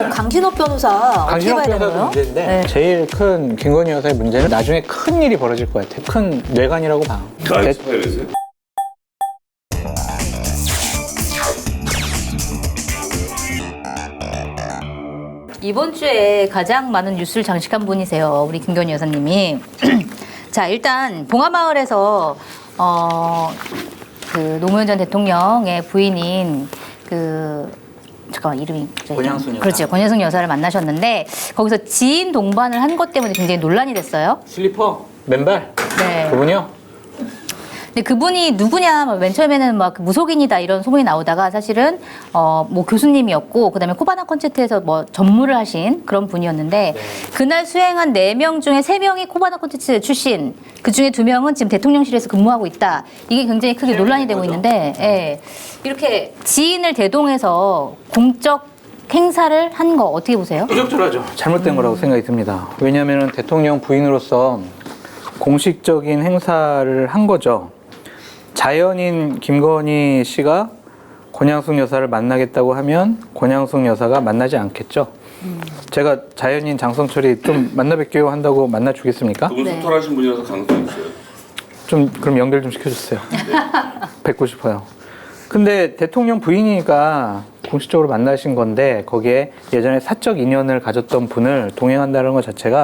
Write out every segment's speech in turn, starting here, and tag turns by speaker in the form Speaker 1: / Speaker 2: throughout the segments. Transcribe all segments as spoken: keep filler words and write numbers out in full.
Speaker 1: 강신업 변호사 어떻게
Speaker 2: 강신업
Speaker 1: 봐야 되는
Speaker 2: 변호사도
Speaker 1: 거예요?
Speaker 2: 문제인데
Speaker 1: 네.
Speaker 2: 제일 큰 김건희 여사의 문제는 나중에 큰 일이 벌어질 것 같아요. 큰 뇌관이라고 봐.
Speaker 3: 나이스 파이레스.
Speaker 1: 이번 주에 가장 많은 뉴스를 장식한 분이세요. 우리 김건희 여사님이. 자, 일단 봉화마을에서 어, 그 노무현 전 대통령의 부인인 그 잠깐만 이름이
Speaker 2: 권양순 여사.
Speaker 1: 그렇죠. 권양순 여사를 만나셨는데 거기서 지인 동반을 한 것 때문에 굉장히 논란이 됐어요.
Speaker 2: 슬리퍼? 맨발?
Speaker 1: 네.
Speaker 2: 그분이요?
Speaker 1: 근데 그분이 누구냐, 뭐 맨 처음에는 막 무속인이다 이런 소문이 나오다가 사실은 어 뭐 교수님이었고 그다음에 코바나 콘체트에서 뭐 전무를 하신 그런 분이었는데
Speaker 2: 네.
Speaker 1: 그날 수행한 네 명 중에 세 명이 코바나 콘체트 출신, 그 중에 두 명은 지금 대통령실에서 근무하고 있다. 이게 굉장히 크게 논란이 되고 있는데, 예. 이렇게 지인을 대동해서 공적 행사를 한 거 어떻게 보세요?
Speaker 2: 부적절하죠. 잘못된 거라고 생각이 듭니다. 왜냐하면 대통령 부인으로서 공식적인 행사를 한 거죠. 자연인 김건희 씨가 권양숙 여사를 만나겠다고 하면 권양숙 여사가 만나지 않겠죠. 음. 제가 자연인 장성철이 좀 만나 뵙기로 한다고 만나 주겠습니까?
Speaker 3: 그분
Speaker 1: 네.
Speaker 3: 소탈하신 분이라서 가능성이 있어요.
Speaker 2: 좀 그럼 연결 좀 시켜주세요. 뵙고 싶어요. 근데 대통령 부인이니까 공식적으로 만나신 건데 거기에 예전에 사적 인연을 가졌던 분을 동행한다는 것 자체가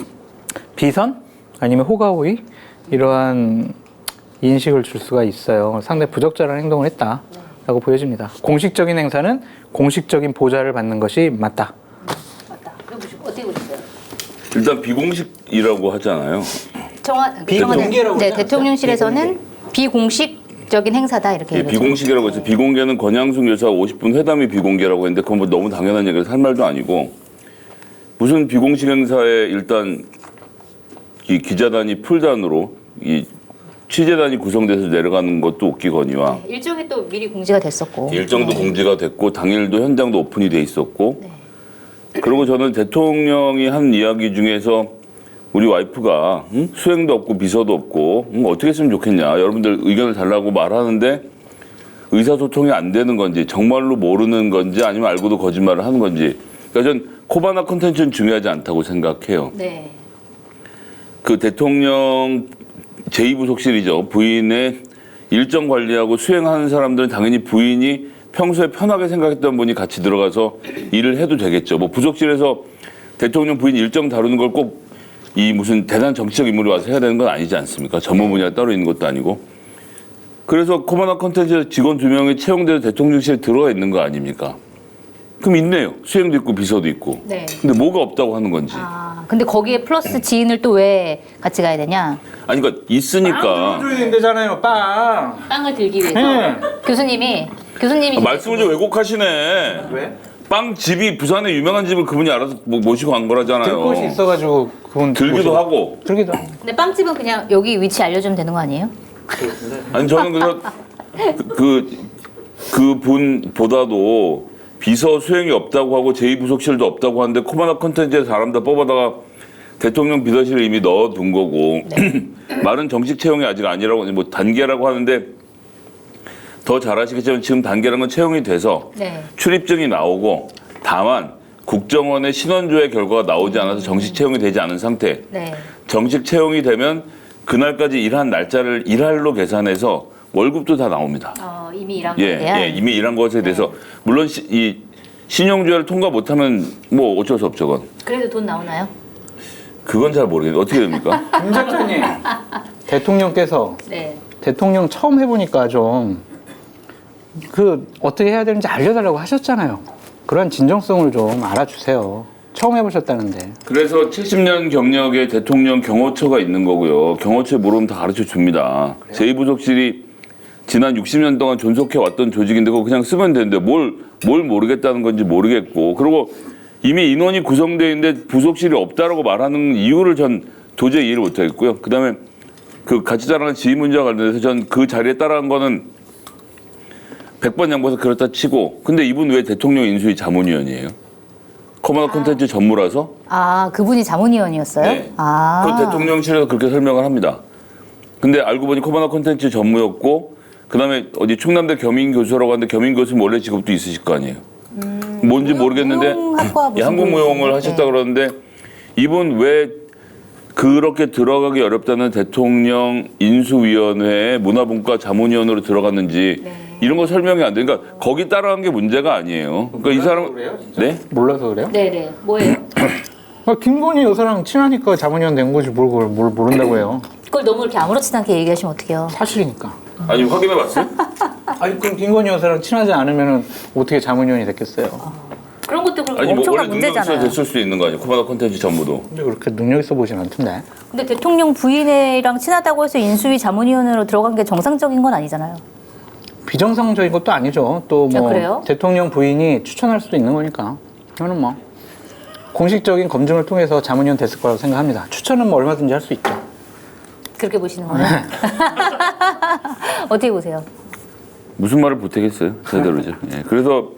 Speaker 2: 비선? 아니면 호가호의? 이러한 인식을 줄 수가 있어요. 상당히 부적절한 행동을 했다라고 보여집니다. 공식적인 행사는 공식적인 보좌를 받는 것이 맞다.
Speaker 1: 맞다. 어떻게 보셨어요?
Speaker 3: 일단 비공식이라고 하잖아요.
Speaker 1: 정한,
Speaker 2: 비공개라고
Speaker 1: 네,
Speaker 2: 하지 않았어요?
Speaker 1: 대통령실에서는 비공식적인 행사다 이렇게
Speaker 3: 예,
Speaker 1: 얘기했죠.
Speaker 3: 비공식이라고 해서 비공개는 권양숙 여사 오십 분 회담이 비공개라고 했는데 그건 뭐 너무 당연한 얘기라서 할 말도 아니고 무슨 비공식 행사에 일단 이 기자단이 풀단으로 이 취재단이 구성돼서 내려가는 것도 웃기거니와
Speaker 1: 네, 일정이 또 미리 공지가 됐었고
Speaker 3: 일정도
Speaker 1: 네.
Speaker 3: 공지가 됐고 당일도 현장도 오픈이 돼 있었고
Speaker 1: 네.
Speaker 3: 그리고 저는 대통령이 한 이야기 중에서 우리 와이프가 응? 수행도 없고 비서도 없고 응? 어떻게 했으면 좋겠냐 여러분들 의견을 달라고 말하는데 의사소통이 안 되는 건지 정말로 모르는 건지 아니면 알고도 거짓말을 하는 건지 그러니까 전 코바나 콘텐츠는 중요하지 않다고 생각해요.
Speaker 1: 네.
Speaker 3: 그 대통령 제이 부속실이죠. 부인의 일정 관리하고 수행하는 사람들은 당연히 부인이 평소에 편하게 생각했던 분이 같이 들어가서 일을 해도 되겠죠. 뭐 부속실에서 대통령 부인 일정 다루는 걸 꼭 이 무슨 대단한 정치적 인물이 와서 해야 되는 건 아니지 않습니까? 전문 분야가 따로 있는 것도 아니고. 그래서 코바나 콘텐츠에서 직원 두 명이 채용돼서 대통령실에 들어가 있는 거 아닙니까? 그럼 있네요. 수행도 있고 비서도 있고.
Speaker 1: 네.
Speaker 3: 근데 뭐가 없다고 하는 건지.
Speaker 1: 아, 근데 거기에 플러스 지인을 또 왜 같이 가야 되냐?
Speaker 3: 아니 그러니까 있으니까.
Speaker 2: 줘야 된다잖아요, 빵.
Speaker 1: 빵을 들기 위해서
Speaker 2: 네.
Speaker 1: 교수님이 교수님이
Speaker 3: 아, 말씀을 좀 왜곡하시네.
Speaker 2: 왜?
Speaker 3: 빵 집이 부산에 유명한 집을 그분이 알아서 뭐 모시고 간 거라잖아요.
Speaker 2: 들 곳이 있어가지고 그분
Speaker 3: 들기도
Speaker 2: 모시고-
Speaker 3: 하고.
Speaker 2: 들기도 하고.
Speaker 1: 근데 빵집은 그냥 여기 위치 알려주면 되는 거 아니에요?
Speaker 3: 아니 저는 그래서 그 그 분보다도 비서 수행이 없다고 하고 제이 부속실도 없다고 하는데 코바나 콘텐츠에 사람 다 뽑아다가 대통령 비서실에 이미 넣어둔 거고 말은 정식 채용이 아직 아니라고 뭐 단계라고 하는데 더 잘 아시겠지만 지금 단계라는 건 채용이 돼서
Speaker 1: 네.
Speaker 3: 출입증이 나오고 다만 국정원의 신원조회 결과가 나오지 않아서 정식 채용이 되지 않은 상태.
Speaker 1: 네.
Speaker 3: 정식 채용이 되면 그날까지 일한 날짜를 일할로 계산해서 월급도 다 나옵니다.
Speaker 1: 어, 이미 일한
Speaker 3: 예,
Speaker 1: 거에 대한.
Speaker 3: 예, 이미 일한 것에 대해서 물론 시, 이 신용조회를 통과 못하면 뭐 어쩔 수 없죠, 그건.
Speaker 1: 그래도 돈 나오나요?
Speaker 3: 그건 잘 모르겠는데 어떻게 됩니까?
Speaker 2: 김 작가님, 대통령께서
Speaker 1: 네.
Speaker 2: 대통령 처음 해보니까 좀 그 어떻게 해야 되는지 알려달라고 하셨잖아요. 그런 진정성을 좀 알아주세요. 처음 해보셨다는데.
Speaker 3: 그래서 칠십 년 경력의 대통령 경호처가 있는 거고요. 경호처에 물으면 다 가르쳐 줍니다. 제이 부속실이 지난 육십 년 동안 존속해 왔던 조직인데 그거 그냥 쓰면 되는데 뭘, 뭘 모르겠다는 건지 모르겠고 그리고 이미 인원이 구성되어 있는데 부속실이 없다라고 말하는 이유를 전 도저히 이해를 못하겠고요. 그 다음에 그 같이 자라는 지휘 문제와 관련해서 전 그 자리에 따라한 거는 백 번 양보해서 그렇다 치고 근데 이분 왜 대통령 인수위 자문위원이에요? 코바나 콘텐츠 전무라서?
Speaker 1: 아, 그분이 자문위원이었어요?
Speaker 3: 네.
Speaker 1: 아.
Speaker 3: 그 대통령실에서 그렇게 설명을 합니다. 근데 알고 보니 코바나 콘텐츠 전무였고 그다음에 어디 충남대 겸임교수라고 하는데 겸임교수는 원래 직업도 있으실 거 아니에요. 음. 뭔지 모르겠는데
Speaker 1: 무용학과
Speaker 3: 예,
Speaker 1: 무슨
Speaker 3: 한국무용을
Speaker 1: 분이신데?
Speaker 3: 하셨다
Speaker 1: 네.
Speaker 3: 그러는데 이분 왜 그렇게 들어가기 어렵다는 대통령 인수위원회에 문화분과 자문위원으로 들어갔는지
Speaker 1: 네.
Speaker 3: 이런 거 설명이 안 돼. 그러니까 거기 따라간 게 문제가 아니에요. 그러니까 이 사람 네?
Speaker 2: 몰라서 그래요?
Speaker 1: 네네. 뭐예요?
Speaker 2: 아, 김건희 여사랑 친하니까 자문위원 된 거지 뭘, 그걸 뭘 모른다고 해요.
Speaker 1: 그걸 너무 이렇게 아무렇지도 않게 얘기하시면 어떡해요?
Speaker 2: 사실이니까.
Speaker 3: 아니 확인해 봤어요?
Speaker 2: 아니 그럼 김건희 여사랑 친하지 않으면 어떻게 자문위원이 됐겠어요?
Speaker 1: 그런 것도 그렇고
Speaker 3: 아니 뭐 원래
Speaker 1: 엄청난
Speaker 3: 능력 있어야
Speaker 1: 문제잖아요.
Speaker 3: 됐을 수도 있는 거 아니에요? 코바나 콘텐츠 전부도.
Speaker 2: 근데 그렇게 능력 있어 보진 않던데.
Speaker 1: 근데 대통령 부인이랑 친하다고 해서 인수위 자문위원으로 들어간 게 정상적인 건 아니잖아요.
Speaker 2: 비정상적인 것도 아니죠. 또
Speaker 1: 아,
Speaker 2: 뭐
Speaker 1: 그래요?
Speaker 2: 대통령 부인이 추천할 수도 있는 거니까. 저는 뭐 공식적인 검증을 통해서 자문위원 됐을 거라고 생각합니다. 추천은 뭐 얼마든지 할 수 있죠.
Speaker 1: 그렇게 보시는 거예요? 어떻게 보세요?
Speaker 3: 무슨 말을 보태겠어요? 제대로죠. 예. 그래서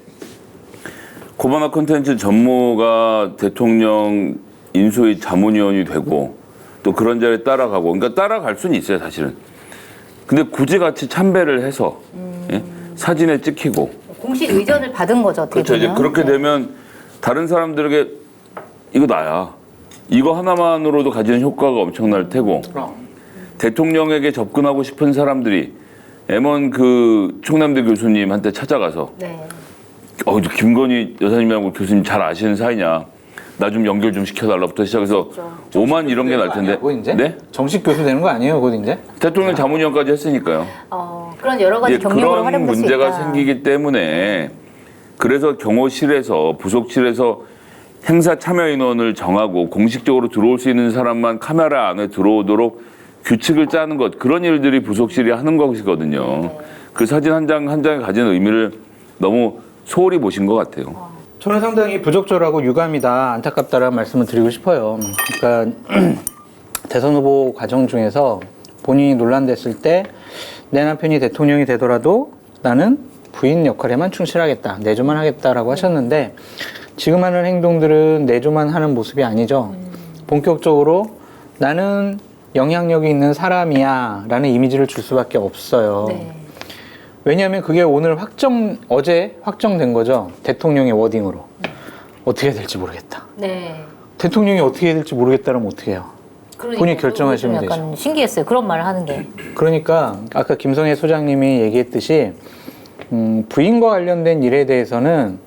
Speaker 3: 코바나 콘텐츠 전무가 대통령 인수위 자문위원이 되고 또 그런 자리에 따라가고 그러니까 따라갈 수는 있어요 사실은. 근데 굳이 같이 참배를 해서 예? 사진에 찍히고
Speaker 1: 공식 의전을 받은 거죠, 어떻게
Speaker 3: 그렇죠. 이제
Speaker 1: 보면.
Speaker 3: 그렇게
Speaker 1: 네.
Speaker 3: 되면 다른 사람들에게 이거 나야. 이거 하나만으로도 가지는 효과가 엄청날 테고
Speaker 2: 그럼.
Speaker 3: 대통령에게 접근하고 싶은 사람들이 엠원 그 충남대 교수님한테 찾아가서
Speaker 1: 네.
Speaker 3: 어, 저 김건희 여사님하고 교수님 잘 아시는 사이냐. 나 좀 연결 좀 시켜달라부터 시작해서 오만 이런 게 날 텐데.
Speaker 2: 곧 이제?
Speaker 3: 네?
Speaker 2: 정식 교수 되는 거 아니에요, 곧 이제?
Speaker 3: 대통령 자문위원까지 했으니까요.
Speaker 1: 어, 그런 여러 가지
Speaker 3: 예,
Speaker 1: 경력으로
Speaker 3: 그런
Speaker 1: 활용될 수 있다.
Speaker 3: 문제가 생기기 때문에 그래서 경호실에서 부속실에서 행사 참여 인원을 정하고 공식적으로 들어올 수 있는 사람만 카메라 안에 들어오도록 규칙을 짜는 것 그런 일들이 부속실이 하는 것이거든요.
Speaker 1: 네.
Speaker 3: 그 사진 한 장 한 장에 가지는 의미를 너무 소홀히 보신 것 같아요.
Speaker 2: 저는 상당히 부적절하고 유감이다, 안타깝다라는 말씀을 드리고 싶어요. 그러니까 대선 후보 과정 중에서 본인이 논란됐을 때 내 남편이 대통령이 되더라도 나는 부인 역할에만 충실하겠다, 내조만 하겠다라고 하셨는데 지금 하는 행동들은 내조만 하는 모습이 아니죠. 본격적으로 나는 영향력이 있는 사람이야 라는 이미지를 줄 수밖에 없어요.
Speaker 1: 네.
Speaker 2: 왜냐하면 그게 오늘 확정, 어제 확정된 거죠. 대통령의 워딩으로. 어떻게 될지 모르겠다.
Speaker 1: 네.
Speaker 2: 대통령이 어떻게 될지 모르겠다면 어떻게 해요?
Speaker 1: 그러니까
Speaker 2: 본인이 결정하시면
Speaker 1: 좀 약간 신기했어요. 그런 말을 하는 게.
Speaker 2: 그러니까 아까 김성애 소장님이 얘기했듯이 음, 부인과 관련된 일에 대해서는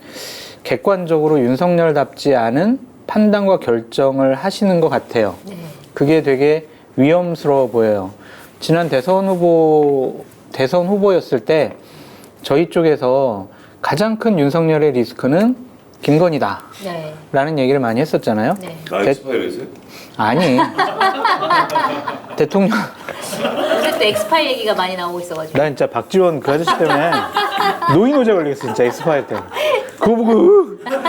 Speaker 2: 객관적으로 윤석열답지 않은 판단과 결정을 하시는 것 같아요.
Speaker 1: 네.
Speaker 2: 그게 되게 위험스러워 보여요. 지난 대선 후보, 대선 후보였을 때 저희 쪽에서 가장 큰 윤석열의 리스크는 김건희다
Speaker 1: 네.
Speaker 2: 라는 얘기를 많이 했었잖아요.
Speaker 1: 네.
Speaker 3: 나
Speaker 2: 대-
Speaker 3: 엑스파일했어요?
Speaker 2: 아니 대통령
Speaker 1: 요새 또 엑스파일 얘기가 많이 나오고 있어가지고.
Speaker 2: 나 진짜 박지원 그 아저씨 때문에 노인호재 걸리겠어 진짜 엑스파일 때문에 그거 보고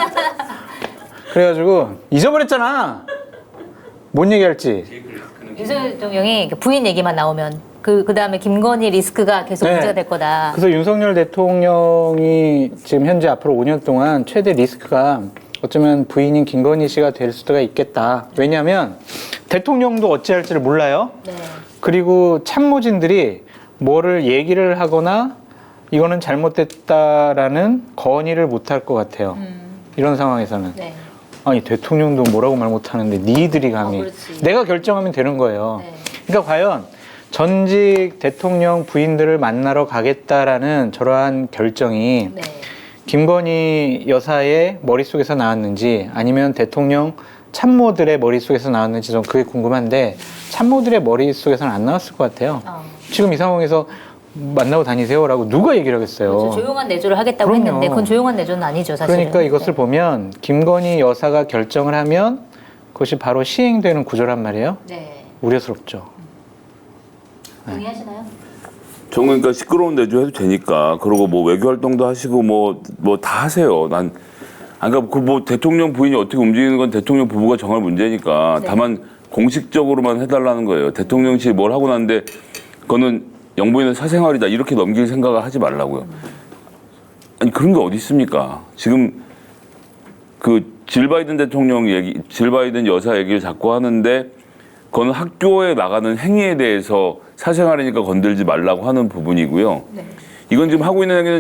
Speaker 2: 그래가지고 잊어버렸잖아 뭔 얘기할지.
Speaker 1: 윤석열 대통령이 부인 얘기만 나오면 그, 그 다음에 김건희 리스크가 계속
Speaker 2: 네.
Speaker 1: 문제가 될 거다.
Speaker 2: 그래서 윤석열 대통령이 지금 현재 앞으로 오 년 동안 최대 리스크가 어쩌면 부인인 김건희 씨가 될 수가 있겠다. 왜냐하면 대통령도 어찌할지를 몰라요.
Speaker 1: 네.
Speaker 2: 그리고 참모진들이 뭐를 얘기를 하거나 이거는 잘못됐다라는 건의를 못할 것 같아요.
Speaker 1: 음.
Speaker 2: 이런 상황에서는.
Speaker 1: 네.
Speaker 2: 아니 대통령도 뭐라고 말 못하는데 니들이 감히.
Speaker 1: 어, 그렇지.
Speaker 2: 내가 결정하면 되는 거예요.
Speaker 1: 네.
Speaker 2: 그러니까 과연 전직 대통령 부인들을 만나러 가겠다라는 저러한 결정이
Speaker 1: 네.
Speaker 2: 김건희 여사의 머릿속에서 나왔는지 아니면 대통령 참모들의 머릿속에서 나왔는지 좀 그게 궁금한데 참모들의 머릿속에서는 안 나왔을 것 같아요.
Speaker 1: 어.
Speaker 2: 지금 이 상황에서 만나고 다니세요라고 누가 얘기를 하겠어요.
Speaker 1: 그렇죠. 조용한 내조를 하겠다고
Speaker 2: 그럼요.
Speaker 1: 했는데 그건 조용한 내조는 아니죠, 사실은.
Speaker 2: 그러니까 이것을
Speaker 1: 네.
Speaker 2: 보면 김건희 여사가 결정을 하면 그것이 바로 시행되는 구조란 말이에요.
Speaker 1: 네.
Speaker 2: 우려스럽죠.
Speaker 1: 동의하시나요?
Speaker 3: 전 그러니까 시끄러운 내조 해도 되니까 그러고 뭐 외교 활동도 하시고 뭐 뭐 다 하세요. 난 그러니까 그 뭐 대통령 부인이 어떻게 움직이는 건 대통령 부부가 정할 문제니까
Speaker 1: 네.
Speaker 3: 다만 공식적으로만 해달라는 거예요. 대통령실이 뭘 하고 났는데 그거는 영부인의 사생활이다 이렇게 넘길 생각을 하지 말라고요. 아니 그런 게 어디 있습니까? 지금 그 질 바이든 대통령 얘기, 질 바이든 여사 얘기를 자꾸 하는데 그건 학교에 나가는 행위에 대해서 사생활이니까 건들지 말라고 하는 부분이고요.
Speaker 1: 네.
Speaker 3: 이건 지금 하고 있는 행위는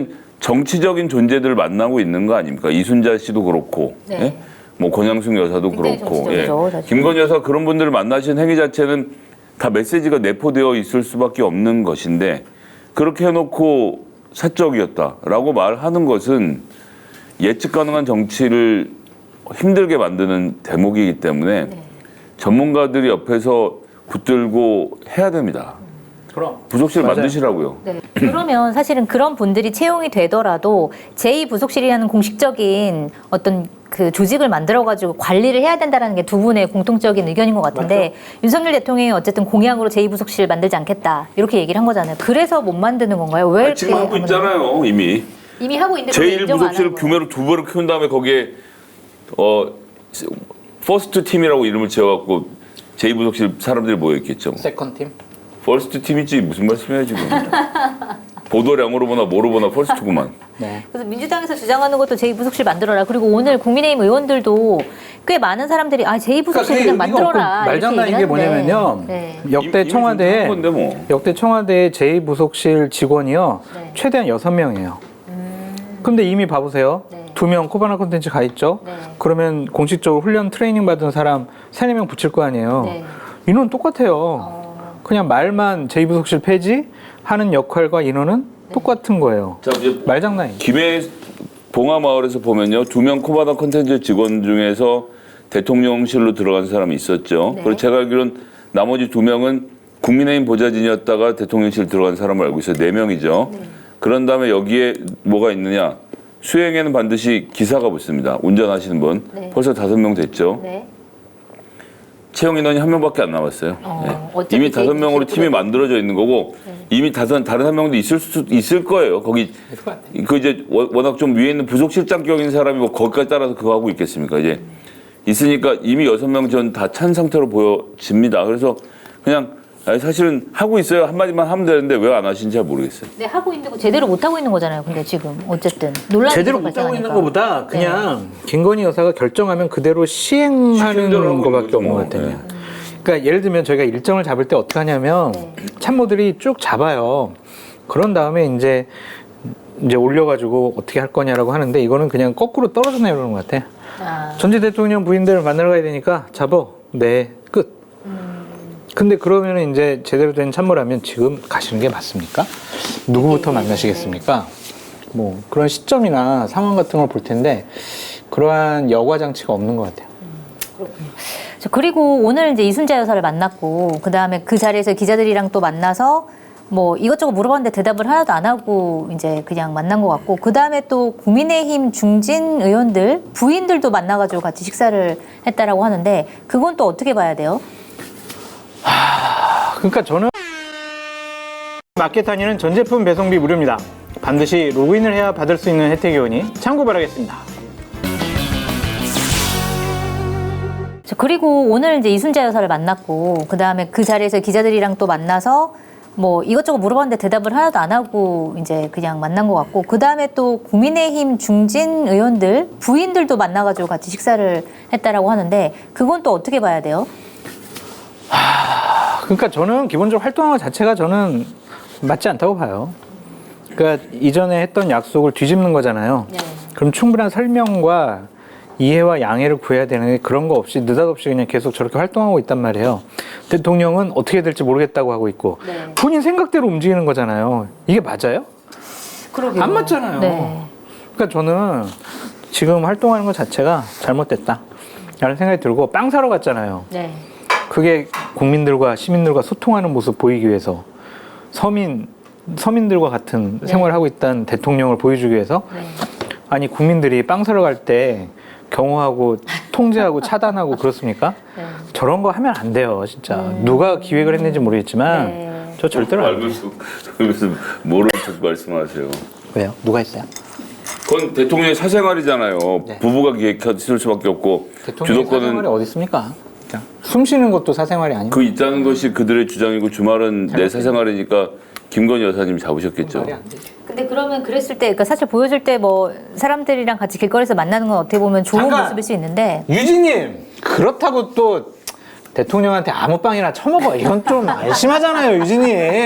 Speaker 3: 정치적인 존재들을 만나고 있는 거 아닙니까? 이순자 씨도 그렇고,
Speaker 1: 네.
Speaker 3: 예? 뭐 권양숙 여사도
Speaker 1: 굉장히
Speaker 3: 그렇고,
Speaker 1: 정치적이죠, 사실.
Speaker 3: 김건희 여사 그런 분들을 만나신 행위 자체는 다 메시지가 내포되어 있을 수밖에 없는 것인데 그렇게 해놓고 사적이었다라고 말하는 것은 예측 가능한 정치를 힘들게 만드는 대목이기 때문에
Speaker 1: 네.
Speaker 3: 전문가들이 옆에서 붙들고 해야 됩니다.
Speaker 2: 그럼.
Speaker 3: 부속실
Speaker 2: 맞아요.
Speaker 3: 만드시라고요.
Speaker 1: 네. 그러면 사실은 그런 분들이 채용이 되더라도 제이 부속실이라는 공식적인 어떤 그 조직을 만들어가지고 관리를 해야 된다는 게 두 분의 공통적인 의견인 것 같은데 윤석열 대통령이 어쨌든 공약으로 제이 부속실 만들지 않겠다 이렇게 얘기를 한 거잖아요. 그래서 못 만드는 건가요? 왜
Speaker 3: 아니,
Speaker 1: 이렇게
Speaker 3: 지금 하고
Speaker 1: 하는
Speaker 3: 있잖아요, 이미.
Speaker 1: 이미 하고 있는데
Speaker 3: 제일
Speaker 1: 인정 안
Speaker 3: 부속실을
Speaker 1: 하는 거예요?
Speaker 3: 규모를 두 배로 키운 다음에 거기에 어 퍼스트 팀이라고 이름을 지어갖고 제이 부속실 사람들이 모여 있겠죠.
Speaker 2: 세컨 팀.
Speaker 3: 퍼스트 팀이지 무슨 말씀이에요 지금? 보도량으로 보나 뭐로 보나 퍼스트구만.
Speaker 2: 네.
Speaker 1: 그래서 민주당에서 주장하는 것도 제이 부속실 만들어라. 그리고 오늘 국민의힘 의원들도 꽤 많은 사람들이 아 제이 부속실 그냥 만들어라.
Speaker 2: 말장난인 게 뭐냐면요.
Speaker 1: 네.
Speaker 2: 역대
Speaker 3: 이미
Speaker 2: 청와대에
Speaker 3: 한 건데 뭐.
Speaker 2: 역대 청와대 제이 부속실 직원이요.
Speaker 1: 네.
Speaker 2: 최대한 여섯 명이에요.
Speaker 1: 음,
Speaker 2: 근데 이미 봐보세요.
Speaker 1: 네.
Speaker 2: 두 명 코바나 콘텐츠 가 있죠.
Speaker 1: 네.
Speaker 2: 그러면 공식적으로 훈련 트레이닝 받은 사람 세네 명 붙일 거 아니에요.
Speaker 1: 네.
Speaker 2: 인원 똑같아요.
Speaker 1: 어,
Speaker 2: 그냥 말만 제이 부속실 폐지 하는 역할과 인원은
Speaker 1: 네.
Speaker 2: 똑같은 거예요.
Speaker 3: 자 이제
Speaker 2: 말장난이에요.
Speaker 3: 김해 봉화마을에서 보면요 두 명 코바나 콘텐츠 직원 중에서 대통령실로 들어간 사람이 있었죠.
Speaker 1: 네.
Speaker 3: 그리고 제가 알기로는 나머지 두 명은 국민의힘 보좌진이었다가 대통령실 들어간 사람을 알고 있어요. 네 명이죠.
Speaker 1: 네.
Speaker 3: 그런 다음에 여기에 뭐가 있느냐? 수행에는 반드시 기사가 붙습니다. 운전하시는 분.
Speaker 1: 네.
Speaker 3: 벌써 다섯 명 됐죠.
Speaker 1: 네.
Speaker 3: 채용 인원이 한 명밖에 안 남았어요.
Speaker 1: 어,
Speaker 3: 네.
Speaker 1: 어차피
Speaker 3: 이미 다섯 명으로
Speaker 1: 제이
Speaker 3: 팀이 만들어져 있는 거고 이미 다섯 다른 한 명도 있을 수 있을 거예요. 거기 그 이제 워- 워낙 좀 위에 있는 부속실장격인 사람이 뭐 거기까지 따라서 그거 하고 있겠습니까? 이제 있으니까 이미 여섯 명 전 다 찬 상태로 보여집니다. 그래서 그냥 아니, 사실은 하고 있어요. 한마디만 하면 되는데 왜 안 하시는지 잘 모르겠어요.
Speaker 1: 네, 하고 있는 거 제대로 못 하고 있는 거잖아요. 근데 지금 어쨌든 논란이
Speaker 2: 제대로
Speaker 1: 계속
Speaker 2: 못하고 있는
Speaker 1: 발생하니까.
Speaker 2: 것보다 그냥 김건희 여사가 결정하면 그대로 시행하는
Speaker 3: 시행대로 하고
Speaker 2: 것밖에
Speaker 3: 있는
Speaker 2: 없는 것
Speaker 3: 거죠,
Speaker 2: 같아요.
Speaker 3: 뭐.
Speaker 2: 그러니까 예를 들면 저희가 일정을 잡을 때 어떻게 하냐면
Speaker 1: 네.
Speaker 2: 참모들이 쭉 잡아요. 그런 다음에 이제 이제 올려가지고 어떻게 할 거냐라고 하는데 이거는 그냥 거꾸로 떨어져 내려오는 것 같아.
Speaker 1: 아,
Speaker 2: 전직 대통령 부인들을 만나러 가야 되니까 잡어. 네, 끝. 근데 그러면 이제 제대로 된 참모라면 지금 가시는 게 맞습니까? 누구부터 만나시겠습니까? 뭐 그런 시점이나 상황 같은 걸 볼 텐데 그러한 여과 장치가 없는 것 같아요.
Speaker 1: 자, 그리고 오늘 이제 이순자 여사를 만났고 그 다음에 그 자리에서 기자들이랑 또 만나서 뭐 이것저것 물어봤는데 대답을 하나도 안 하고 이제 그냥 만난 것 같고 그 다음에 또 국민의힘 중진 의원들 부인들도 만나가지고 같이 식사를 했다라고 하는데 그건 또 어떻게 봐야 돼요?
Speaker 2: 그러니까 저는 마켓 단위는 전 제품 배송비 무료입니다. 반드시 로그인을 해야 받을 수 있는 혜택이 오니 참고 바라겠습니다.
Speaker 1: 자, 그리고 오늘 이제 이순자 여사를 만났고 그 다음에 그 자리에서 기자들이랑 또 만나서 뭐 이것저것 물어봤는데 대답을 하나도 안 하고 이제 그냥 만난 것 같고 그 다음에 또 국민의힘 중진 의원들 부인들도 만나가지고 같이 식사를 했다라고 하는데 그건 또 어떻게 봐야 돼요?
Speaker 2: 그러니까 저는 기본적으로 활동한 것 자체가 저는 맞지 않다고 봐요. 그러니까 이전에 했던 약속을 뒤집는 거잖아요.
Speaker 1: 네.
Speaker 2: 그럼 충분한 설명과 이해와 양해를 구해야 되는데 그런 거 없이 느닷없이 그냥 계속 저렇게 활동하고 있단 말이에요. 대통령은 어떻게 될지 모르겠다고 하고 있고
Speaker 1: 네.
Speaker 2: 본인 생각대로 움직이는 거잖아요. 이게 맞아요?
Speaker 1: 그러게요.
Speaker 2: 안 맞잖아요.
Speaker 1: 네.
Speaker 2: 그러니까 저는 지금 활동하는 것 자체가 잘못됐다 라는 생각이 들고 빵 사러 갔잖아요.
Speaker 1: 네.
Speaker 2: 그게 국민들과 시민들과 소통하는 모습 보이기 위해서 서민, 서민들과 같은
Speaker 1: 네.
Speaker 2: 생활을 하고 있다는 대통령을 보여주기 위해서
Speaker 1: 네.
Speaker 2: 아니 국민들이 빵 사러 갈 때 경호하고 통제하고 차단하고 그렇습니까?
Speaker 1: 네.
Speaker 2: 저런 거 하면 안 돼요 진짜. 누가 기획을 했는지 모르겠지만
Speaker 1: 네.
Speaker 2: 저 절대로 안 돼요.
Speaker 3: 그래서 모르는 척 말씀하세요.
Speaker 2: 왜요? 누가 했어요?
Speaker 3: 그건 대통령의 사생활이잖아요.
Speaker 2: 네.
Speaker 3: 부부가 기획했을 수밖에 없고
Speaker 2: 대통령의 사생활이
Speaker 3: 주도권은
Speaker 2: 어디 있습니까? 그냥 숨 쉬는 것도 사생활이 아닌가?
Speaker 3: 그 있다는 것이 그들의 주장이고 주말은 내 사생활이니까 김건희 여사님 잡으셨겠죠.
Speaker 2: 말이 안 되죠.
Speaker 1: 근데 그러면 그랬을 때, 그러니까 사실 보여줄 때 뭐 사람들이랑 같이 길거리에서 만나는 건 어떻게 보면 좋은
Speaker 2: 잠깐!
Speaker 1: 모습일 수 있는데,
Speaker 2: 유진님 그렇다고 또 대통령한테 아무 빵이나 처먹어. 이건 좀 심하잖아요, 유진님.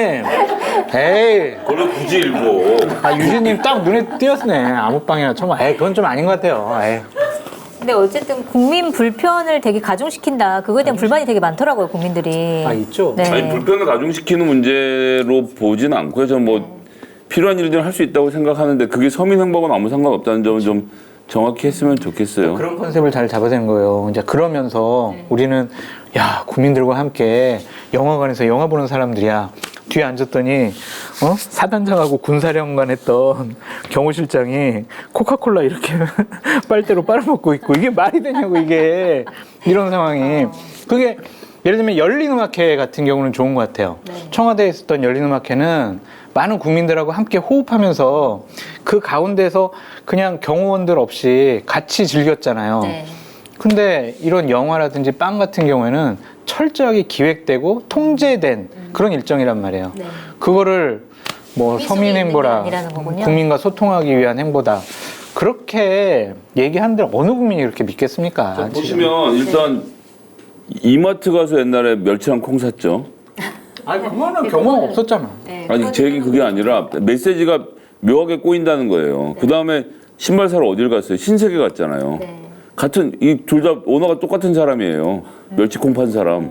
Speaker 2: 에이.
Speaker 3: 그걸 굳이 읽고.
Speaker 2: 아, 유진님 딱 눈에 띄었네. 아무 빵이나 처먹어. 에이, 그건 좀 아닌 것 같아요. 에이.
Speaker 1: 근데 어쨌든 국민 불편을 되게 가중시킨다. 그거에 대한 불만이 되게 많더라고요, 국민들이.
Speaker 2: 아, 있죠?
Speaker 1: 네.
Speaker 3: 아니 불편을 가중시키는 문제로 보지는 않고요. 저는 뭐 필요한 일들은 할 수 있다고 생각하는데 그게 서민 행복은 아무 상관없다는 점은 좀 정확히 했으면 좋겠어요.
Speaker 2: 그런 컨셉을 잘 잡아야 되는 거예요. 이제 그러면서 우리는 야, 국민들과 함께 영화관에서 영화 보는 사람들이야. 뒤에 앉았더니 어? 사단장하고 군사령관 했던 경호실장이 코카콜라 이렇게 빨대로 빨아먹고 있고 이게 말이 되냐고 이게 이런 상황이 그게 예를 들면 열린음악회 같은 경우는 좋은 것 같아요.
Speaker 1: 네.
Speaker 2: 청와대에 있었던 열린음악회는 많은 국민들하고 함께 호흡하면서 그 가운데서 그냥 경호원들 없이 같이 즐겼잖아요.
Speaker 1: 네.
Speaker 2: 근데 이런 영화라든지 빵 같은 경우에는 철저하게 기획되고 통제된 그런 일정이란 말이에요.
Speaker 1: 네.
Speaker 2: 그거를 뭐
Speaker 1: 국민 속에
Speaker 2: 서민
Speaker 1: 있는
Speaker 2: 행보라,
Speaker 1: 게 아니라는 거군요.
Speaker 2: 국민과 소통하기 위한 행보다 그렇게 얘기하는데 어느 국민이 그렇게 믿겠습니까? 지금.
Speaker 3: 보시면 일단 이마트 가서 옛날에 멸치랑 콩 샀죠.
Speaker 2: 아니 그거는 경험 없었잖아.
Speaker 1: 네.
Speaker 3: 아니 제 얘기 그게 아니라 메시지가 묘하게 꼬인다는 거예요. 그 다음에 신발 사러 어딜 갔어요? 신세계 갔잖아요.
Speaker 1: 네.
Speaker 3: 같은 이 둘 다 오너가 똑같은 사람이에요. 멸치 콩 판 사람.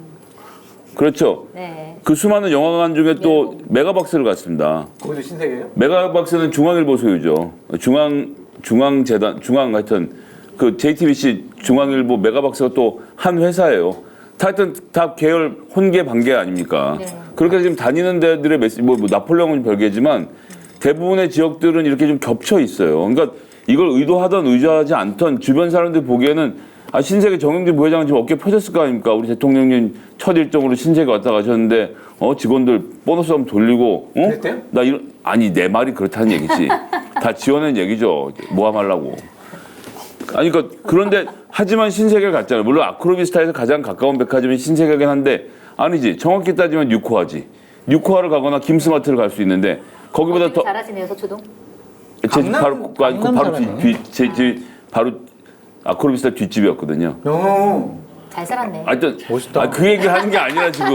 Speaker 3: 그렇죠.
Speaker 1: 네.
Speaker 3: 그 수많은 영화관 중에 또 메가박스를 갔습니다.
Speaker 2: 거기도 신세계예요?
Speaker 3: 메가박스는 중앙일보 소유죠. 중앙 중앙재단 중앙 하여튼 그 제이티비씨 중앙일보 메가박스가 또 한 회사예요. 하여튼 다 계열 혼계 반계 아닙니까?
Speaker 1: 네.
Speaker 3: 그렇게 지금 다니는 데들의 메시지 뭐, 뭐 나폴레옹은 별개지만 대부분의 지역들은 이렇게 좀 겹쳐 있어요. 그러니까 이걸 의도하던 의도하지 않던 주변 사람들 보기에는 아, 신세계 정영진 부회장은 지금 어깨 펴졌을 거 아닙니까? 우리 대통령님 첫 일정으로 신세계 왔다 가셨는데 어 직원들 보너스 한번 돌리고 어?
Speaker 2: 그랬대요?
Speaker 3: 나 이런 아니 내 말이 그렇다는 얘기지. 다 지어낸 얘기죠. 모함하려고. 아니 그러니까 그런데 하지만 신세계 갔잖아요. 물론 아크로비스타에서 가장 가까운 백화점이 신세계긴 한데 아니지. 정확히 따지면 뉴코아지. 뉴코아를 가거나 김스마트를 갈 수 있는데 거기보다 더
Speaker 1: 잘하시네요, 서초동.
Speaker 3: 제
Speaker 2: 강남-
Speaker 3: 바로 그 아니, 그
Speaker 2: 강남
Speaker 3: 바로
Speaker 2: 사람이네.
Speaker 3: 뒤제집 바로 아크로비스타 뒷집이었거든요.
Speaker 2: 어.
Speaker 1: 잘 살았네.
Speaker 3: 하여튼
Speaker 2: 멋있다.
Speaker 3: 아, 그 얘기를 하는 게 아니라 지금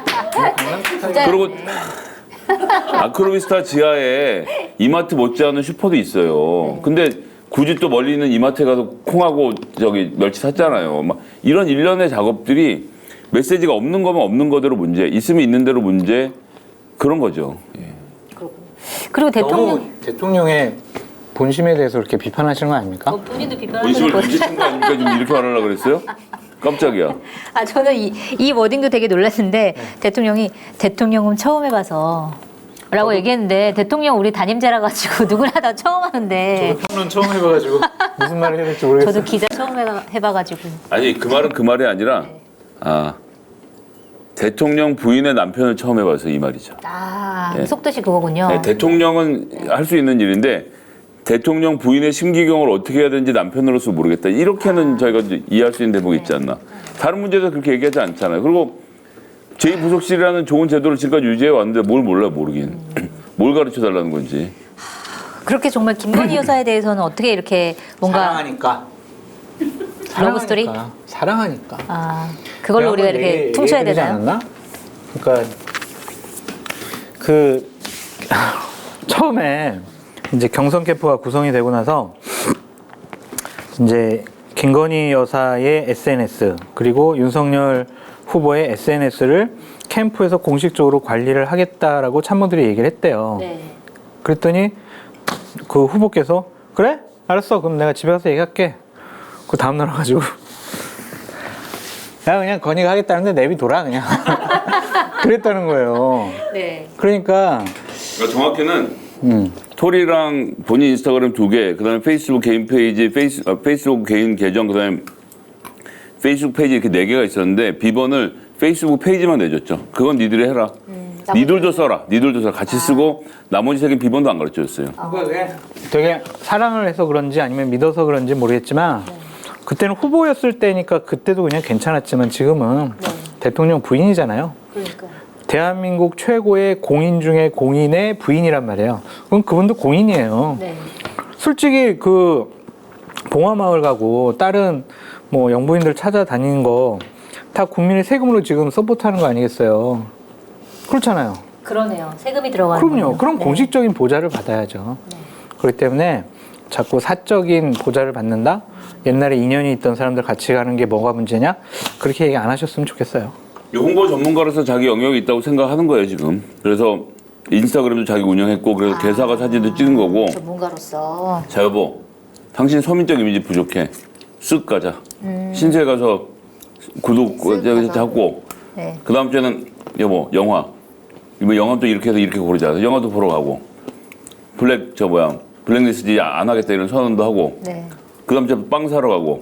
Speaker 1: 진짜.
Speaker 3: 그리고 아크로비스타 지하에 이마트 못지않은 슈퍼도 있어요. 근데 굳이 또 멀리 있는 이마트에 가서 콩하고 저기 멸치 샀잖아요. 막 이런 일련의 작업들이 메시지가 없는 거면 없는 거대로 문제, 있으면 있는 대로 문제 그런 거죠. 예.
Speaker 1: 그리고 대통령
Speaker 2: 너무 대통령의 본심에 대해서 그렇게 비판하시는 거 아닙니까?
Speaker 1: 어, 본인도 비판하시는
Speaker 3: 본심을
Speaker 1: 거
Speaker 3: 뒤집힌 거 아닙니까? 지금 이렇게 말하려고 그랬어요? 깜짝이야.
Speaker 1: 아 저는 이, 이 워딩도 되게 놀랐는데 대통령이 대통령은 처음 해봐서 라고 얘기했는데 대통령 우리 담임자라 가지고 누구나 다 처음 하는데
Speaker 2: 저는 처음 해봐가지고 무슨 말을 해야 될지 모르겠어요.
Speaker 1: 저도 기자 처음 해봐, 해봐가지고
Speaker 3: 아니 그 말은 그 말이 아니라 아 대통령 부인의 남편을 처음 해봐서 이 말이죠.
Speaker 1: 아
Speaker 3: 네.
Speaker 1: 속뜻이 그거군요.
Speaker 3: 네, 대통령은 할 수 있는 일인데 대통령 부인의 심기경을 어떻게 해야 되는지 남편으로서 모르겠다. 이렇게는 저희가 이제 이해할 수 있는 대목이 있지 않나. 다른 문제에서 그렇게 얘기하지 않잖아요. 그리고 제이 부속실이라는 좋은 제도를 지금까지 유지해 왔는데 뭘 몰라 모르긴. 뭘 가르쳐 달라는 건지.
Speaker 1: 그렇게 정말 김건희 여사에 대해서는 어떻게 이렇게 뭔가
Speaker 2: 사랑하니까.
Speaker 1: 러브 스토리?
Speaker 2: 사랑하니까. 사랑하니까.
Speaker 1: 아 그걸로 우리가
Speaker 2: 내가
Speaker 1: 이렇게
Speaker 2: 얘기-
Speaker 1: 퉁쳐야
Speaker 2: 얘기해드리지
Speaker 1: 되나요?
Speaker 2: 않았나? 그러니까 그 처음에 이제 경선 캠프가 구성이 되고 나서 이제 김건희 여사의 에스엔에스 그리고 윤석열 후보의 에스엔에스를 캠프에서 공식적으로 관리를 하겠다라고 참모들이 얘기를 했대요.
Speaker 1: 네.
Speaker 2: 그랬더니 그 후보께서 그래? 알았어. 그럼 내가 집에 가서 얘기할게. 그 다음날 와가지고 야 그냥 건이가 하겠다는데 내비둬라 그냥 그랬다는 거예요.
Speaker 1: 네.
Speaker 2: 그러니까
Speaker 3: 그러니까 정확히는
Speaker 2: 음.
Speaker 3: 토리랑 본인 인스타그램 두 개, 그다음에 페이스북 개인 페이지, 페이스, 아, 페이스북 개인 계정, 그다음에 페이스북 페이지 이렇게 네 개가 있었는데 비번을 페이스북 페이지만 내줬죠. 그건 니들이 해라.
Speaker 1: 음,
Speaker 3: 니들도 써라. 니들도 써라. 같이 쓰고 나머지 세 개 비번도 안 가르쳐줬어요.
Speaker 2: 되게 사랑을 해서 그런지 아니면 믿어서 그런지 모르겠지만 그때는 후보였을 때니까 그때도 그냥 괜찮았지만 지금은
Speaker 1: 네.
Speaker 2: 대통령 부인이잖아요.
Speaker 1: 그러니까.
Speaker 2: 대한민국 최고의 공인 중에 공인의 부인이란 말이에요. 그럼 그분도 공인이에요.
Speaker 1: 네.
Speaker 2: 솔직히 그 봉화마을 가고 다른 뭐 영부인들 찾아다니는 거 다 국민의 세금으로 지금 서포트하는 거 아니겠어요? 그렇잖아요.
Speaker 1: 그러네요. 세금이 들어가는
Speaker 2: 그럼요.
Speaker 1: 거군요.
Speaker 2: 그럼
Speaker 1: 네.
Speaker 2: 공식적인 보좌를 받아야죠.
Speaker 1: 네.
Speaker 2: 그렇기 때문에 자꾸 사적인 보좌를 받는다? 옛날에 인연이 있던 사람들 같이 가는 게 뭐가 문제냐? 그렇게 얘기 안 하셨으면 좋겠어요.
Speaker 3: 홍보 전문가로서 자기 영역이 있다고 생각하는 거예요 지금. 그래서 인스타그램도 자기 운영했고 그래서
Speaker 1: 아,
Speaker 3: 개사가 사진도 찍은 거고.
Speaker 1: 전문가로서.
Speaker 3: 자 여보, 당신 서민적 이미지 부족해. 쓱 가자. 신세 가서 구독
Speaker 1: 쓱
Speaker 3: 여기서
Speaker 1: 가서.
Speaker 3: 하고.
Speaker 1: 네.
Speaker 3: 그 다음 주에는 여보 영화. 이거 영화 또 이렇게 해서 이렇게 고르자. 영화도 보러 가고. 블랙 저 뭐야 블랙리스트 안 하겠다 이런 선언도 하고.
Speaker 1: 네.
Speaker 3: 그 다음 주에 빵 사러 가고.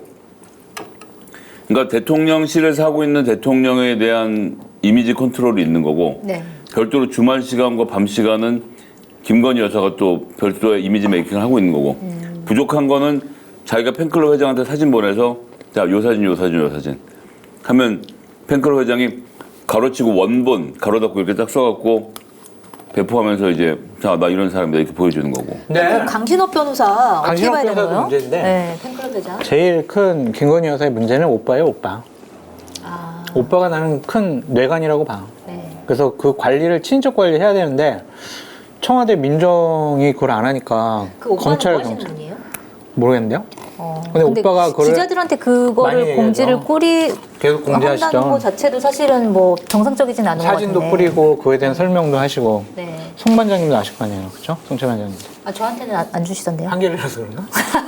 Speaker 3: 그러니까 대통령실에서 하고 있는 대통령에 대한 이미지 컨트롤이 있는 거고.
Speaker 1: 네.
Speaker 3: 별도로 주말 시간과 밤 시간은 김건희 여사가 또 별도의 이미지 메이킹을 하고 있는 거고.
Speaker 1: 음.
Speaker 3: 부족한 거는 자기가 팬클럽 회장한테 사진 보내서 자, 요 사진, 요 사진, 요 사진 하면 팬클럽 회장이 가로치고 원본, 가로 닫고 이렇게 딱 써갖고 배포하면서 이제 자, 나 이런 사람이다 이렇게 보여주는 거고.
Speaker 2: 네.
Speaker 1: 그 강신업 변호사 어떻게
Speaker 2: 강신업
Speaker 1: 봐야 되는
Speaker 2: 변호사도
Speaker 1: 거예요?
Speaker 2: 문제인데.
Speaker 1: 네, 팬클럽 회장.
Speaker 2: 제일 큰 김건희 여사의 문제는 오빠예요, 오빠.
Speaker 1: 아,
Speaker 2: 오빠가 나는 큰 뇌관이라고 봐.
Speaker 1: 네.
Speaker 2: 그래서 그 관리를 친인척 관리해야 되는데 청와대 민정이 그걸 안 하니까
Speaker 1: 그 오빠는
Speaker 2: 검찰
Speaker 1: 뭐 하시는
Speaker 2: 경찰
Speaker 1: 분이에요?
Speaker 2: 모르겠는데요.
Speaker 1: 어,
Speaker 2: 근데 오빠가 그거를
Speaker 1: 기자들한테
Speaker 2: 많이
Speaker 1: 그거를
Speaker 2: 얘기하죠.
Speaker 1: 공지를 꾸리
Speaker 2: 계속 공지하시죠.
Speaker 1: 한다는 거 자체도 사실은 뭐 정상적이진 않은 것
Speaker 2: 사진도
Speaker 1: 같은데.
Speaker 2: 뿌리고 그에 대한 설명도 하시고.
Speaker 1: 네.
Speaker 2: 송 반장님도 아실 거 아니에요, 그렇죠? 송채 반장님.
Speaker 1: 아 저한테는 안, 안 주시던데요?
Speaker 2: 한겨레라서 그런가?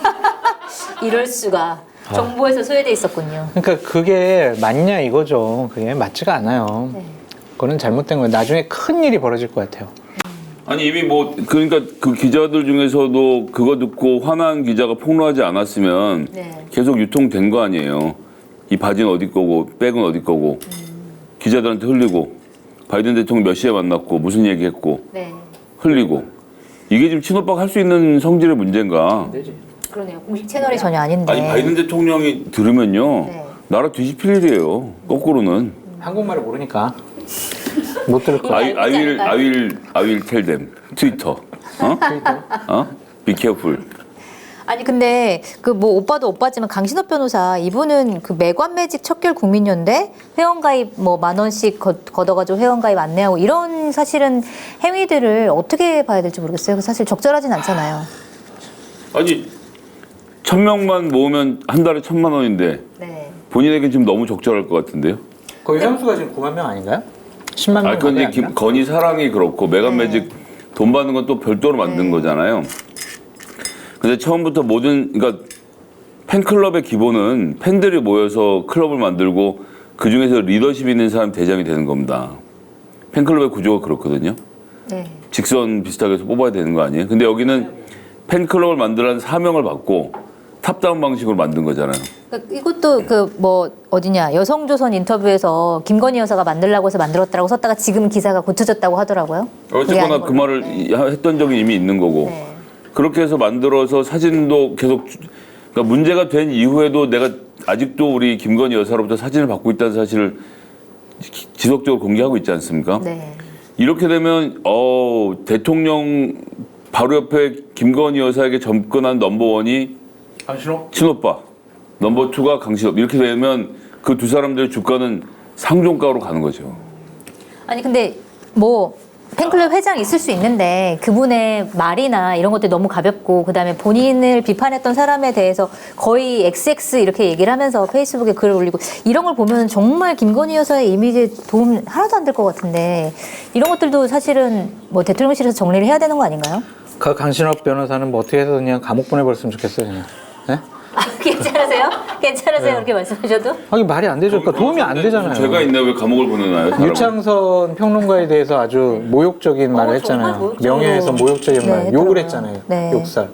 Speaker 1: 이럴 수가.
Speaker 2: 아.
Speaker 1: 정보에서 소외돼 있었군요.
Speaker 2: 그러니까 그게 맞냐 이거죠. 그게 맞지가 않아요.
Speaker 1: 네.
Speaker 2: 그거는 잘못된 거예요. 나중에 큰 일이 벌어질 것 같아요.
Speaker 3: 아니 이미 뭐 그러니까 그 기자들 중에서도 그거 듣고 화난 기자가 폭로하지 않았으면
Speaker 1: 네.
Speaker 3: 계속 유통된 거 아니에요. 이 바지는 어디 거고 백은 어디 거고 기자들한테 흘리고 바이든 대통령 몇 시에 만났고 무슨 얘기했고
Speaker 1: 네.
Speaker 3: 흘리고 이게 지금 친오빠가 할 수 있는 성질의 문제인가?
Speaker 1: 그러네요. 공식 채널이 전혀 아닌데.
Speaker 3: 아니 바이든 대통령이 들으면요
Speaker 1: 네.
Speaker 3: 나라 뒤집힐 일이에요. 거꾸로는
Speaker 2: 한국말을 모르니까 못 들을 거예요.
Speaker 3: I, I will I will I will tell them 트위터 어? 어? Be careful.
Speaker 1: 아니 근데 그 뭐 오빠도 오빠지만 강신업 변호사 이분은 그 매관매직 척결 국민연대 회원가입 뭐 만 원씩 거, 걷어가지고 회원가입 안내하고 이런 사실은 행위들을 어떻게 봐야 될지 모르겠어요. 사실 적절하진 않잖아요.
Speaker 3: 아니 천 명만 모으면 한 달에 천만 원인데
Speaker 1: 네.
Speaker 3: 본인에게 지금 너무 적절할 것 같은데요?
Speaker 2: 거의 회원수가 지금 구만 명 아닌가요? 십만 명.
Speaker 3: 아 그런데 김, 건희 사랑이 그렇고 메가매직 돈 받는 건 또 별도로 만든
Speaker 1: 네.
Speaker 3: 거잖아요. 근데 처음부터 모든 그러니까 팬클럽의 기본은 팬들이 모여서 클럽을 만들고 그 중에서 리더십 있는 사람이 대장이 되는 겁니다. 팬클럽의 구조가 그렇거든요.
Speaker 1: 네.
Speaker 3: 직선 비슷하게 해서 뽑아야 되는 거 아니에요? 근데 여기는 팬클럽을 만들라는 사명을 받고 탑다운 방식으로 만든 거잖아요.
Speaker 1: 그러니까 이것도 그 뭐 어디냐 여성조선 인터뷰에서 김건희 여사가 만들라고 해서 만들었다고 썼다가 지금 기사가 고쳐졌다고 하더라고요. 그게
Speaker 3: 어쨌거나
Speaker 1: 아닌
Speaker 3: 그
Speaker 1: 걸로.
Speaker 3: 말을
Speaker 1: 네.
Speaker 3: 이- 했던 적이 이미 있는 거고
Speaker 1: 네.
Speaker 3: 그렇게 해서 만들어서 사진도 계속 주- 그러니까 문제가 된 이후에도 내가 아직도 우리 김건희 여사로부터 사진을 받고 있다는 사실을 지- 지속적으로 공개하고 있지 않습니까?
Speaker 1: 네.
Speaker 3: 이렇게 되면 어, 대통령 바로 옆에 김건희 여사에게 접근한 넘버원이
Speaker 2: 강신호?
Speaker 3: 친오빠, 넘버 투가 강신업 이렇게 되면 그 두 사람들의 주가는 상종가로 가는 거죠.
Speaker 1: 아니 근데 뭐 팬클럽 회장 있을 수 있는데 그분의 말이나 이런 것들이 너무 가볍고 그다음에 본인을 비판했던 사람에 대해서 거의 엑스엑스 이렇게 얘기를 하면서 페이스북에 글을 올리고 이런 걸 보면 정말 김건희 여사의 이미지에 도움 하나도 안 될 것 같은데 이런 것들도 사실은 뭐 대통령실에서 정리를 해야 되는 거 아닌가요?
Speaker 2: 그 강신업 변호사는 뭐 어떻게 해서 그냥 감옥 보내버렸으면 좋겠어요, 그냥. 네?
Speaker 1: 아, 괜찮으세요? 괜찮으세요? 그렇게 말씀하셔도?
Speaker 2: 아니 말이 안 되죠. 그러니까 도움이 안 되잖아요.
Speaker 3: 제가 있네 왜 감옥을 보내나요? 사람을?
Speaker 2: 유창선 평론가에 대해서 아주 모욕적인 말을
Speaker 1: 어,
Speaker 2: 했잖아요.
Speaker 1: 정말 모욕적으로.
Speaker 2: 명예에서 모욕적인
Speaker 1: 네,
Speaker 2: 말,
Speaker 1: 했더라고요.
Speaker 2: 욕을 했잖아요.
Speaker 1: 네.
Speaker 2: 욕설.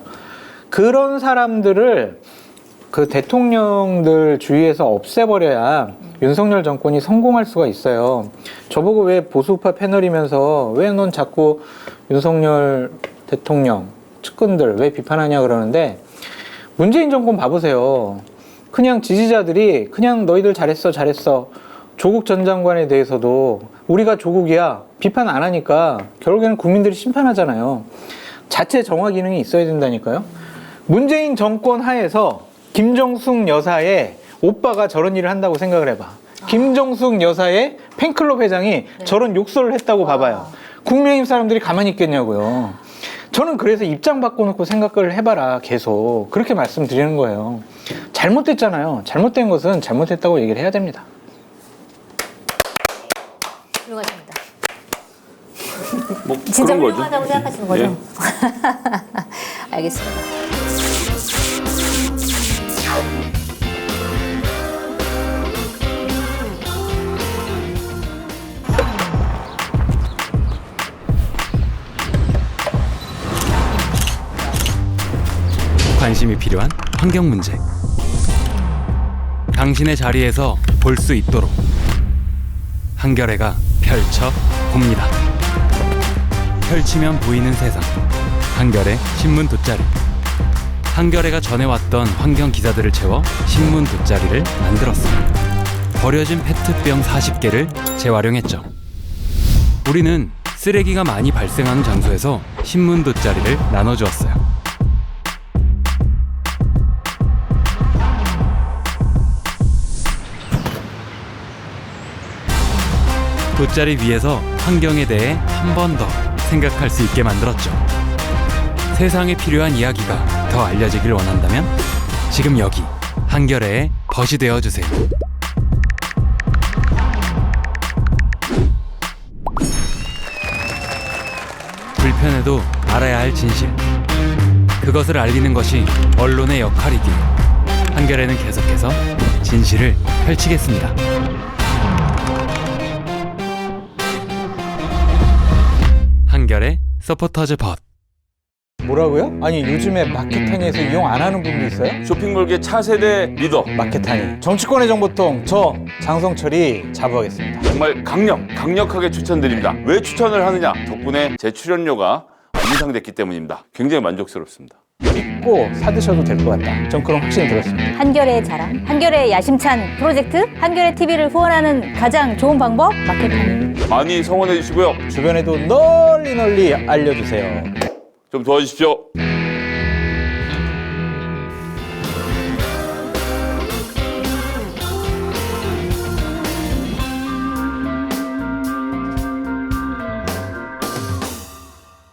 Speaker 2: 그런 사람들을 그 대통령들 주위에서 없애버려야 윤석열 정권이 성공할 수가 있어요. 저보고 왜 보수파 패널이면서 왜 넌 자꾸 윤석열 대통령 측근들 왜 비판하냐 그러는데 문재인 정권 봐보세요. 그냥 지지자들이 그냥 너희들 잘했어 잘했어 조국 전 장관에 대해서도 우리가 조국이야 비판 안 하니까 결국에는 국민들이 심판하잖아요. 자체 정화 기능이 있어야 된다니까요. 문재인 정권 하에서 김정숙 여사의 오빠가 저런 일을 한다고 생각을 해봐. 김정숙 여사의 팬클럽 회장이 저런 욕설을 했다고 봐봐요. 국민의힘 사람들이 가만히 있겠냐고요. 저는 그래서 입장 바꿔놓고 생각을 해봐라 계속 그렇게 말씀드리는 거예요. 잘못됐잖아요. 잘못된 것은 잘못됐다고 얘기를 해야 됩니다.
Speaker 1: 훌륭하십니다.
Speaker 3: 뭐
Speaker 1: 진짜
Speaker 3: 그런 거죠.
Speaker 1: 훌륭하다고 생각하시는 거죠?
Speaker 3: 예.
Speaker 1: 알겠습니다.
Speaker 4: 관심이 필요한 환경 문제. 당신의 자리에서 볼 수 있도록 한겨레가 펼쳐 봅니다. 펼치면 보이는 세상. 한겨레 신문 돗자리. 한겨레가 전해왔던 환경 기사들을 채워 신문 돗자리를 만들었어요. 버려진 페트병 사십 개를 재활용했죠. 우리는 쓰레기가 많이 발생하는 장소에서 신문 돗자리를 나눠주었어요. 돗자리 위에서 환경에 대해 한 번 더 생각할 수 있게 만들었죠. 세상에 필요한 이야기가 더 알려지길 원한다면 지금 여기 한겨레의 벗이 되어주세요. 불편해도 알아야 할 진실. 그것을 알리는 것이 언론의 역할이기에 한겨레는 계속해서 진실을 펼치겠습니다. 한겨레 서포터즈 벗.
Speaker 2: 뭐라고요? 아니 요즘에 마켓타니에서 이용 안 하는 분도 있어요?
Speaker 3: 쇼핑몰계 차세대 리더
Speaker 2: 마켓타니 정치권의 정보통 저 장성철이 자부하겠습니다.
Speaker 3: 정말 강력, 강력하게 추천드립니다. 왜 추천을 하느냐? 덕분에 제 출연료가 인상됐기 때문입니다. 굉장히 만족스럽습니다.
Speaker 2: 믿고 사드셔도 될 것 같다. 전 그런 확신이 들었습니다.
Speaker 1: 한겨레의 자랑, 한겨레의 야심찬 프로젝트, 한겨레 티비를 후원하는 가장 좋은 방법 마켓타니.
Speaker 3: 많이 성원해 주시고요.
Speaker 2: 주변에도 널리 널리 알려주세요.
Speaker 3: 좀 도와주십시오.